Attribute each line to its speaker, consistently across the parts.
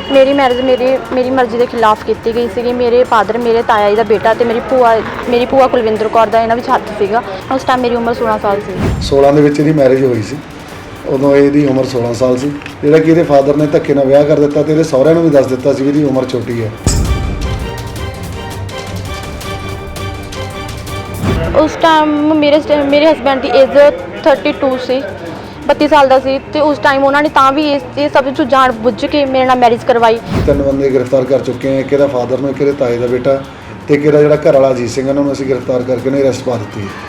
Speaker 1: मेरी मैरिज मेरी मर्जी के खिलाफ की गई सी। मेरे फादर मेरे ताया जी का बेटा तो मेरी भूआ कुलविंदर कौर का इन्होंने हत्थ सीगा। उस टाइम मेरी उम्र 16 साल सी।
Speaker 2: 16 ਦੇ ਵਿੱਚ ਇਹਦੀ ਮੈਰਿਜ ਹੋਈ ਸੀ। ਉਦੋਂ ਇਹਦੀ ਉਮਰ 16 ਸਾਲ ਸੀ। ਜਿਹੜਾ ਕਿ ਇਹਦੇ ਫਾਦਰ ਨੇ ਧੱਕੇ ਨਾਲ ਵਿਆਹ ਕਰ ਦਿੱਤਾ ਤੇ ਇਹਦੇ ਸਹੁਰਿਆਂ ਨੂੰ ਵੀ ਦੱਸ ਦਿੱਤਾ ਸੀ ਵੀ ਇਹਦੀ ਉਮਰ ਛੋਟੀ ਹੈ।
Speaker 1: उस टाइम मेरे हसबैंड की एज 32 सी, 32 साल का सी। तो उस टाइम उन्होंने तां भी ये सब जान बुझ के मेरे नाल मैरिज करवाई।
Speaker 2: 3 ਬੰਦੇ गिरफ्तार कर चुके हैं। एक ਇਹਦਾ फादर ਨੂੰ, एक ਇਹਦੇ ਤਾਏ ਦਾ ਬੇਟਾ ਤੇ ਇੱਕ ਇਹਦਾ ਜਿਹੜਾ ਘਰ ਵਾਲਾ ਅਜੀਤ ਸਿੰਘ, ਇਹਨਾਂ ਨੂੰ ਅਸੀਂ गिरफ्तार करके ਨੇ ਅਰੈਸਟ ਪਾ ਦਿੱਤੀ ਹੈ।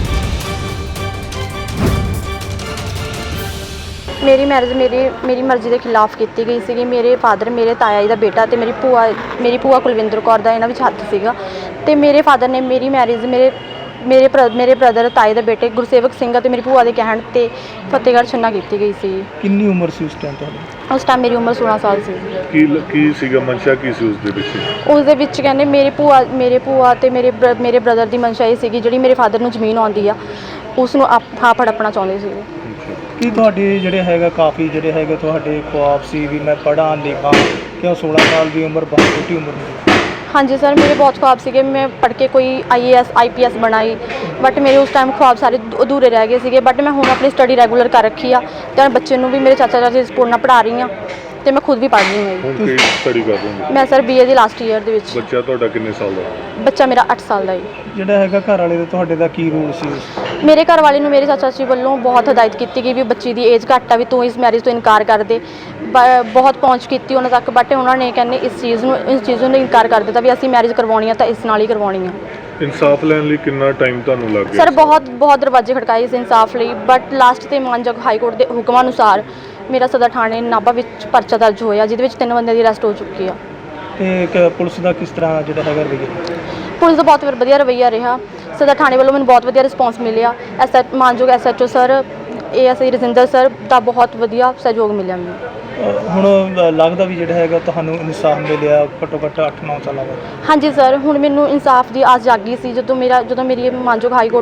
Speaker 1: मेरी मैरिज मेरी मर्जी के खिलाफ की गई सी। मेरे फादर मेरे ताया जी का बेटा तो मेरी भूआ कुलविंदर कौर का इन्होंने हत्थ सीगा। तो मेरे फादर ने मेरी मैरिज मेरे ब्रदर ताए के बेटे गुरसेवक सिंह ते मेरी भूआ के कहण ते फतेहगढ़ छन्ना की गई सी।
Speaker 3: कितनी उम्र सी उस टाइम तुहाडी?
Speaker 1: उस टाइम मेरी उम्र 16 साल सी।
Speaker 4: की सीगा मंशा की सी उसदे विच?
Speaker 1: उसदे विच कहंदे मेरे भूआ ते मेरे ब्रदर की मंशा ये सीगी जिहड़ी मेरे फादर नूं जमीन आउंदी आ उस नूं आप हड़पना चाहुंदे सीगे।
Speaker 3: ਕੀ ਤੁਹਾਡੇ ਜਿਹੜੇ ਹੈਗਾ ਕਾਫੀ ਜਿਹੜੇ ਹੈਗੇ ਤੁਹਾਡੇ ख्वाब ਸੀ ਵੀ ਮੈਂ ਪੜ੍ਹਾਂ ਲਿਖਾਂ ਕਿਉਂ 16 ਸਾਲ ਦੀ ਉਮਰ ਬਹੁਤ ਛੋਟੀ ਉਮਰ ਹੁੰਦੀ?
Speaker 1: हाँ जी सर, मेरे बहुत ख्वाब थे। मैं पढ़ के कोई IAS IPS बनाई बट मेरे उस टाइम ख्वाब सारे अधूरे रह गए थे। बट मैं हुण अपनी स्टडी रैगूलर कर रखी आ तो बच्चे भी मेरे चाचा चाची सपोर्ट नाल पढ़ा रही हाँ तो मैं खुद भी पढ़ रही हूँ।
Speaker 4: ਹੁਣ ਕੀ ਸਟੱਡੀ ਕਰ ਰਹੇ ਹੋ?
Speaker 1: मैं सर BA ਦੀ ਲਾਸਟ ਈਅਰ ਦੇ ਵਿੱਚ।
Speaker 4: ਬੱਚਾ ਤੁਹਾਡਾ ਕਿੰਨੇ ਸਾਲ ਦਾ?
Speaker 1: ਬੱਚਾ ਮੇਰਾ 8 ਸਾਲ ਦਾ ਹੈ।
Speaker 3: ਜਿਹੜਾ ਹੈਗਾ ਘਰ ਵਾਲੇ ਦਾ ਤੁਹਾਡੇ ਦਾ ਕੀ ਰੋਲ ਸੀ?
Speaker 1: ਮੇਰੇ ਘਰ ਵਾਲੇ ਨੂੰ ਮੇਰੇ ਚਾਚਾ ਜੀ ਵੱਲੋਂ ਬਹੁਤ ਹਦਾਇਤ ਕੀਤੀ ਗਈ ਵੀ ਬੱਚੀ ਦੀ ਏਜ ਘੱਟ ਆ ਵੀ ਤੂੰ ਇਸ ਮੈਰਿਜ ਤੋਂ ਇਨਕਾਰ ਕਰ ਦੇ। ਬਹੁਤ ਪਹੁੰਚ ਕੀਤੀ ਉਹਨਾਂ ਤੱਕ ਬਟ ਉਹਨਾਂ ਨੇ ਕਹਿੰਦੇ ਇਸ ਚੀਜ਼ ਨੂੰ ਇਨਕਾਰ ਕਰ ਦਿੱਤਾ ਵੀ ਅਸੀਂ ਮੈਰਿਜ ਕਰਵਾਉਣੀ ਆ ਤਾਂ ਇਸ ਨਾਲ ਹੀ ਕਰਵਾਉਣੀ ਆ।
Speaker 4: ਇਨਸਾਫ ਲੈਣ ਲਈ ਕਿੰਨਾ ਟਾਈਮ ਤੁਹਾਨੂੰ ਲੱਗ ਗਿਆ?
Speaker 1: ਸਰ ਬਹੁਤ ਦਰਵਾਜ਼ੇ ਖੜਕਾਏ ਇਸ ਇਨਸਾਫ ਲਈ ਬਟ ਲਾਸਟ ਤੇ ਮਾਨਯੋਗ ਹਾਈ ਕੋਰਟ ਦੇ ਹੁਕਮਾਂ ਅਨੁਸਾਰ ਮੇਰਾ ਸਦਰ ਥਾਣੇ ਨਾਭਾ ਵਿੱਚ ਪਰਚਾ ਦਰਜ ਹੋਇਆ ਜਿਹਦੇ ਵਿੱਚ 3 ਬੰਦਿਆਂ ਦੀ ਅਰੈਸਟ ਹੋ ਚੁੱਕੀ ਆ।
Speaker 3: ਤੇ ਪੁਲਿਸ ਦਾ ਕਿਸ ਤਰ੍ਹਾਂ ਜਿਹੜਾ ਹੈਗਾ ਰਵੱਈਆ?
Speaker 1: ਪੁਲਿਸ ਦਾ ਬਹੁਤ ਵਧੀਆ ਰਵੱਈਆ ਰਿਹਾ। ਸਦਰ ਥਾਣੇ ਵੱਲੋਂ ਮੈਨੂੰ ਬਹੁਤ ਵਧੀਆ ਰਿਸਪੌਂਸ ਮਿਲਿਆ। ਮਾਨਯੋਗ SHO sir ASI Rajinder sir ਦਾ ਬਹੁਤ ਵਧੀਆ ਸਹਿਯੋਗ ਮਿਲਿਆ ਮੈਨੂੰ।
Speaker 3: ਹੁਣ ਲੱਗਦਾ ਵੀ ਜਿਹੜਾ ਹੈਗਾ ਤੁਹਾਨੂੰ ਇਨਸਾਫ ਮਿਲਿਆ ਘੱਟੋ ਘੱਟ 8-9 ਸਾਲਾਂ ਬਾਅਦ?
Speaker 1: ਹਾਂਜੀ ਸਰ, ਹੁਣ ਮੈਨੂੰ ਇਨਸਾਫ ਦੀ ਆਸ ਜਾਗੀ ਸੀ ਜਦੋਂ ਮੇਰੀ ਮਾਨਯੋਗ ਹਾਈ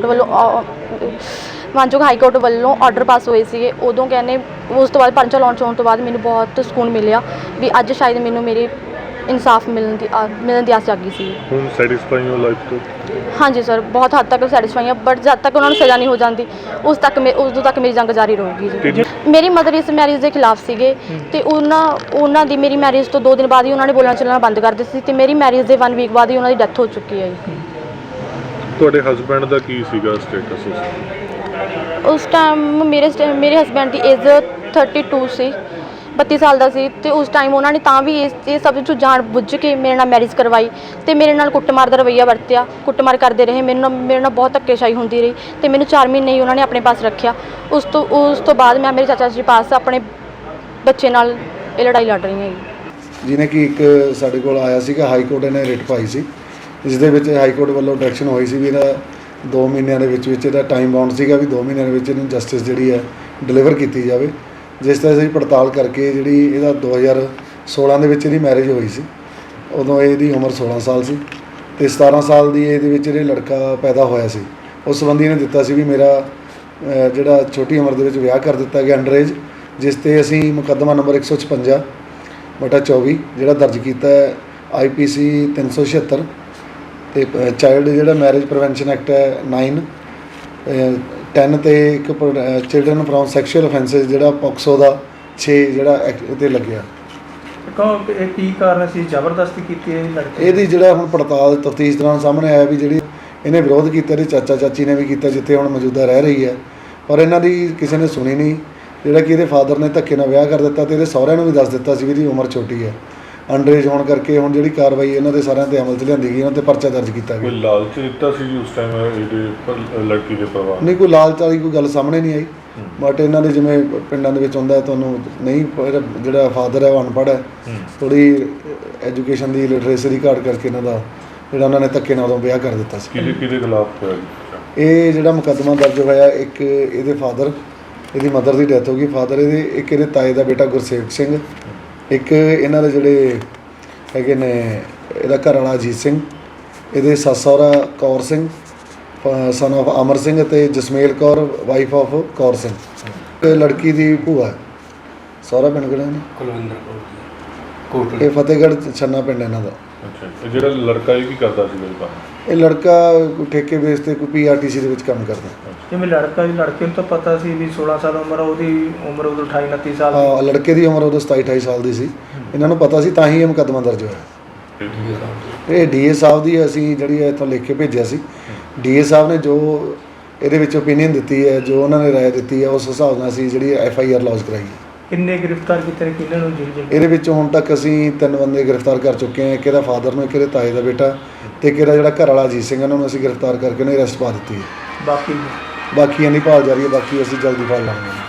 Speaker 1: ਕੋਰਟ ਵੱਲੋਂ ਆਰਡਰ ਪਾਸ ਹੋਏ ਸੀਗੇ। ਉਦੋਂ ਕਹਿੰਦੇ ਉਸ ਤੋਂ ਬਾਅਦ ਪਰਚਾ ਲਾਂਚ ਹੋਣ ਤੋਂ ਬਾਅਦ ਮੈਨੂੰ ਬਹੁਤ ਸਕੂਨ ਮਿਲਿਆ ਵੀ ਅੱਜ ਸ਼ਾਇਦ ਮੈਨੂੰ ਮੇਰੇ ਇਨਸਾਫ ਮਿਲਣ ਦੀ ਆਸ ਜਾਗੀ ਸੀ।
Speaker 4: ਹੁਣ ਸੈਟੀਸਫਾਈ ਹੋ ਲਾਈਫ ਤੋਂ?
Speaker 1: ਹਾਂਜੀ ਸਰ, ਬਹੁਤ ਹੱਦ ਤੱਕ ਸੈਟੀਸਫਾਈ ਹਾਂ ਬਟ ਜਦ ਤੱਕ ਉਹਨਾਂ ਨੂੰ ਸਜ਼ਾ ਨਹੀਂ ਹੋ ਜਾਂਦੀ ਉਦੋਂ ਤੱਕ ਮੇਰੀ ਜੰਗ ਜਾਰੀ ਰਹੂਗੀ ਜੀ। ਮੇਰੀ ਮਦਰ ਇਸ ਮੈਰਿਜ ਦੇ ਖਿਲਾਫ ਸੀਗੇ ਤੇ ਉਹਨਾਂ ਦੀ ਮੇਰੀ ਮੈਰਿਜ ਤੋਂ 2 ਦਿਨ ਬਾਅਦ ਹੀ ਉਹਨਾਂ ਨੇ ਬੋਲਣਾ ਚੱਲਣਾ ਬੰਦ ਕਰ ਦਿੱਤਾ ਸੀ ਤੇ ਮੇਰੀ ਮੈਰਿਜ ਦੇ 1 ਵੀਕ ਬਾਅਦ ਹੀ ਉਹਨਾਂ ਦੀ ਡੈਥ ਹੋ ਚੁੱਕੀ ਹੈ ਜੀ।
Speaker 4: ਤੁਹਾਡੇ ਹਸਬੈਂਡ ਦਾ ਕੀ ਸੀਗਾ ਸਟੇਟਸ
Speaker 1: ਉਸ ਟਾਈਮ ਮੇਰੇ ਹਸਬੈਂਡ ਦੀ ਏਜ 32 ਸੀ, 32 ਸਾਲ ਦਾ ਸੀ। ਤੇ ਉਸ ਟਾਈਮ ਉਹਨਾਂ ਨੇ ਤਾਂ ਵੀ ਇਹ ਸਭ ਜਾਣ ਬੁੱਝ ਕੇ ਮੇਰੇ ਨਾਲ ਮੈਰਿਜ ਕਰਵਾਈ ਤੇ ਮੇਰੇ ਨਾਲ ਕੁੱਟਮਾਰ ਦਾ ਰਵੱਈਆ ਵਰਤਿਆ। ਕੁੱਟਮਾਰ ਕਰਦੇ ਰਹੇ, ਮੇਰੇ ਨਾਲ ਬਹੁਤ ਧੱਕੇਸ਼ਾਹੀ ਹੁੰਦੀ ਰਹੀ ਤੇ ਮੈਨੂੰ 4 ਮਹੀਨੇ ਹੀ ਉਹਨਾਂ ਨੇ ਆਪਣੇ ਪਾਸ ਰੱਖਿਆ। ਉਸ ਤੋਂ ਬਾਅਦ ਮੈਂ ਮੇਰੇ ਚਾਚਾ ਜੀ ਪਾਸ ਆਪਣੇ ਬੱਚੇ ਨਾਲ ਇਹ ਲੜਾਈ ਲੜ ਰਹੀ ਹਾਂ।
Speaker 2: ਜਿਹਨੇ ਕਿ ਇੱਕ ਸਾਡੇ ਕੋਲ ਆਇਆ ਸੀਗਾ ਹਾਈ ਕੋਰਟ ਨੇ ਰਿਟ ਪਾਈ ਸੀ ਜਿਸ ਦੇ ਵਿੱਚ ਹਾਈ ਕੋਰਟ ਵੱਲੋਂ ਡਾਇਰੈਕਸ਼ਨ ਹੋਈ ਸੀ ਵੀ ਇਹਦਾ 2 ਮਹੀਨਿਆਂ ਦੇ ਵਿੱਚ ਇਹਦਾ ਟਾਈਮ ਬਾਉਂਡ ਸੀਗਾ ਵੀ 2 ਮਹੀਨਿਆਂ ਦੇ ਵਿੱਚ ਇਹਨੂੰ ਜਸਟਿਸ ਜਿਹੜੀ ਹੈ ਡਿਲੀਵਰ ਕੀਤੀ ਜਾਵੇ। ਜਿਸ ਤਰ੍ਹਾਂ ਅਸੀਂ ਪੜਤਾਲ ਕਰਕੇ ਜਿਹੜੀ ਇਹਦਾ 2016 ਦੇ ਵਿੱਚ ਇਹਦੀ ਮੈਰਿਜ ਹੋਈ ਸੀ। ਉਦੋਂ ਇਹਦੀ ਉਮਰ 16 ਸਾਲ ਸੀ ਤੇ 17 ਸਾਲ ਦੀ ਇਹਦੇ ਵਿੱਚ ਇਹ ਲੜਕਾ ਪੈਦਾ ਹੋਇਆ ਸੀ। ਉਸ ਸੰਬੰਧੀ ਇਹਨੇ ਦਿੱਤਾ ਸੀ ਵੀ ਮੇਰਾ ਜਿਹੜਾ ਛੋਟੀ ਉਮਰ ਦੇ ਵਿੱਚ ਵਿਆਹ ਕਰ ਦਿੱਤਾ ਗਿਆ ਅੰਡਰ ਏਜ, ਜਿਸ ਤੇ ਅਸੀਂ ਮੁਕੱਦਮਾ ਨੰਬਰ 156/24 ਜਿਹੜਾ ਦਰਜ ਕੀਤਾ ਹੈ IPC 376 ਤੇ ਚਾਈਲਡ ਜਿਹੜਾ ਮੈਰਿਜ ਪ੍ਰੀਵੈਂਸ਼ਨ ਐਕਟ ਹੈ 9/10 ਤੇ ਇੱਕ ਚਿਲਡਰਨ ਫਰੋਮ ਸੈਕਸ਼ੂਅਲ ਅਫੈਂਸਿਸ ਜਿਹੜਾ ਪੋਕਸੋ ਦਾ 6 ਜਿਹੜਾ ਐਕਟ ਤੇ ਲੱਗਿਆ।
Speaker 3: ਇਹ ਕੀ ਕਾਰਨ ਸੀ ਜ਼ਬਰਦਸਤੀ ਕੀਤੀ ਹੈ ਲੜਕੀ?
Speaker 2: ਇਹਦੀ ਜਿਹੜਾ ਹੁਣ ਪੜਤਾਲ ਤਫਤੀਸ਼ ਦੌਰਾਨ ਸਾਹਮਣੇ ਆਇਆ ਵੀ ਜਿਹੜੀ ਇਹਨੇ ਵਿਰੋਧ ਕੀਤਾ ਇਹਦੇ ਚਾਚਾ ਚਾਚੀ ਨੇ ਵੀ ਕੀਤਾ ਜਿੱਥੇ ਹੁਣ ਮੌਜੂਦਾ ਰਹਿ ਰਹੀ ਹੈ ਪਰ ਇਹਨਾਂ ਦੀ ਕਿਸੇ ਨੇ ਸੁਣੀ ਨਹੀਂ। ਜਿਹੜਾ ਕਿ ਇਹਦੇ ਫਾਦਰ ਨੇ ਧੱਕੇ ਨਾਲ ਵਿਆਹ ਕਰ ਦਿੱਤਾ ਤੇ ਇਹਦੇ ਸਹੁਰਿਆਂ ਨੂੰ ਵੀ ਦੱਸ ਦਿੱਤਾ ਸੀ ਵੀ ਇਹਦੀ ਉਮਰ ਛੋਟੀ ਹੈ। ਅੰਡਰ ਏਜ ਹੋਣ ਕਰਕੇ ਹੁਣ ਜਿਹੜੀ ਕਾਰਵਾਈ ਇਹਨਾਂ ਦੇ ਸਾਰਿਆਂ 'ਤੇ ਅਮਲ 'ਚ ਲਿਆਂਦੀ ਗਈ, ਉਹਨਾਂ 'ਤੇ ਪਰਚਾ ਦਰਜ ਕੀਤਾ ਗਿਆ।
Speaker 4: ਕੋਈ ਲਾਲਚ ਦਿੱਤਾ ਸੀ ਜੀ ਉਸ ਟਾਈਮ ਇਹਦੇ ਲੜਕੀ ਦੇ ਪਰਿਵਾਰ?
Speaker 2: ਨਹੀਂ, ਕੋਈ ਲਾਲਚ ਵਾਲੀ ਕੋਈ ਗੱਲ ਸਾਹਮਣੇ ਨਹੀਂ ਆਈ ਬਟ ਇਹਨਾਂ ਦੇ ਜਿਵੇਂ ਪਿੰਡਾਂ ਦੇ ਵਿੱਚ ਹੁੰਦਾ ਤੁਹਾਨੂੰ ਨਹੀਂ ਜਿਹੜਾ ਫਾਦਰ ਹੈ ਉਹ ਅਨਪੜ੍ਹ ਹੈ, ਥੋੜ੍ਹੀ ਐਜੂਕੇਸ਼ਨ ਦੀ ਲਿਟਰੇਸੀ ਦੀ ਘਾਟ ਕਰਕੇ ਇਹਨਾਂ ਦਾ ਜਿਹੜਾ ਉਹਨਾਂ ਨੇ ਧੱਕੇ ਨਾਲ ਉਦੋਂ ਵਿਆਹ ਕਰ ਦਿੱਤਾ ਸੀ।
Speaker 4: ਕਿਹਦੇ ਖਿਲਾਫ ਹੋਇਆ ਜੀ
Speaker 2: ਇਹ ਜਿਹੜਾ ਮੁਕੱਦਮਾ ਦਰਜ ਹੋਇਆ? ਇੱਕ ਇਹਦੇ ਫਾਦਰ, ਇਹਦੀ ਮਦਰ ਦੀ ਡੈਥ ਹੋ ਗਈ ਫਾਦਰ ਇਹਦੇ, ਇੱਕ ਇਹਦੇ ਤਾਏ ਦਾ ਬੇਟਾ ਗੁਰਸੇਵਕ ਸਿੰਘ, ਇੱਕ ਇਹਨਾਂ ਦੇ ਜਿਹੜੇ ਹੈਗੇ ਨੇ ਇਹਦਾ ਘਰ ਵਾਲਾ ਅਜੀਤ ਸਿੰਘ, ਇਹਦੇ ਸੱਸ ਸਹੁਰਾ ਕੌਰ ਸਿੰਘ ਸਨ ਆਫ ਅਮਰ ਸਿੰਘ ਅਤੇ ਜਸਮੇਲ ਕੌਰ ਵਾਈਫ ਆਫ ਕੌਰ ਸਿੰਘ। ਲੜਕੀ ਦੀ ਭੂਆ, ਸਹੁਰਾ ਪਿੰਡ ਕਿਹੜਾ ਨੇ? ਇਹ ਫਤਿਹਗੜ੍ਹ ਛੰਨਾ ਪਿੰਡ ਇਹਨਾਂ ਦਾ।
Speaker 4: ਅੱਛਾ, ਇਹ ਜਿਹੜਾ ਲੜਕਾ ਇਹ ਕੀ ਕਰਦਾ ਸੀ ਇਹ ਕੰਮ?
Speaker 2: ਇਹ ਲੜਕਾ ਕੋਈ ਠੇਕੇ ਬੇਸ ਤੇ ਕੋਈ ਪੀਆਰਟੀਸੀ ਦੇ ਵਿੱਚ ਕੰਮ ਕਰਦਾ।
Speaker 3: ਜਿਵੇਂ ਲੜਕੇ ਨੂੰ ਤਾਂ ਪਤਾ ਸੀ ਵੀ 16 ਸਾਲ ਉਮਰ ਆ, ਉਹਦੀ ਉਮਰ ਉਦੋਂ 28 29 ਸਾਲ ਦੀ।
Speaker 2: ਹਾਂ, ਲੜਕੇ ਦੀ ਉਮਰ ਉਦੋਂ 27 28 ਸਾਲ ਦੀ ਸੀ। ਇਹਨਾਂ ਨੂੰ ਪਤਾ ਸੀ ਤਾਂ ਹੀ ਇਹ ਮੁਕੱਦਮਾ ਦਰਜ ਹੋਇਆ। ਇਹ ਡੀਏ ਸਾਹਿਬ ਦੀ ਅਸੀਂ ਜਿਹੜੀ ਹੈ ਇੱਥੋਂ ਲਿਖ ਕੇ ਭੇਜਿਆ ਸੀ। ਡੀਏ ਸਾਹਿਬ ਨੇ ਜੋ ਇਹਦੇ ਵਿੱਚ ਓਪੀਨੀਅਨ ਦਿੱਤੀ ਹੈ, ਜੋ ਉਹਨਾਂ ਨੇ ਰਾਏ ਦਿੱਤੀ ਹੈ, ਉਸ ਹਿਸਾਬ ਨਾਲ ਅਸੀਂ ਜਿਹੜੀ FIR ਲੌਂਚ ਕਰਾਈ ਹੈ।
Speaker 3: ਕਿੰਨੇ ਗ੍ਰਿਫਤਾਰ ਕੀਤੇ ਨੇ, ਕਿੰਨਾਂ ਨੂੰ ਜੇਲ੍ਹ
Speaker 2: ਇਹਦੇ ਵਿੱਚ ਹੁਣ ਤੱਕ ਅਸੀਂ 3 ਬੰਦੇ ਗ੍ਰਿਫਤਾਰ ਕਰ ਚੁੱਕੇ ਹਾਂ। ਇੱਕ ਇਹਦਾ ਫਾਦਰ ਨੂੰ, ਇੱਕ ਇਹਦੇ ਤਾਏ ਦਾ ਬੇਟਾ ਤੇ ਇੱਕ ਇਹਦਾ ਜਿਹੜਾ ਘਰ ਵਾਲਾ ਅਜੀਤ ਸਿੰਘ, ਉਹਨਾਂ ਨੂੰ ਅਸੀਂ ਗ੍ਰਿਫਤਾਰ ਕਰਕੇ ਉਹਨੇ ਅਰੈਸਟ ਪਾ ਦਿੱਤੀ ਹੈ।
Speaker 3: ਬਾਕੀ
Speaker 2: ਬਾਕੀਆਂ ਦੀ ਭਾਲ ਜਾਰੀ ਹੈ, ਬਾਕੀ ਅਸੀਂ ਜਲਦੀ ਫੜ ਲਾਂਗੇ।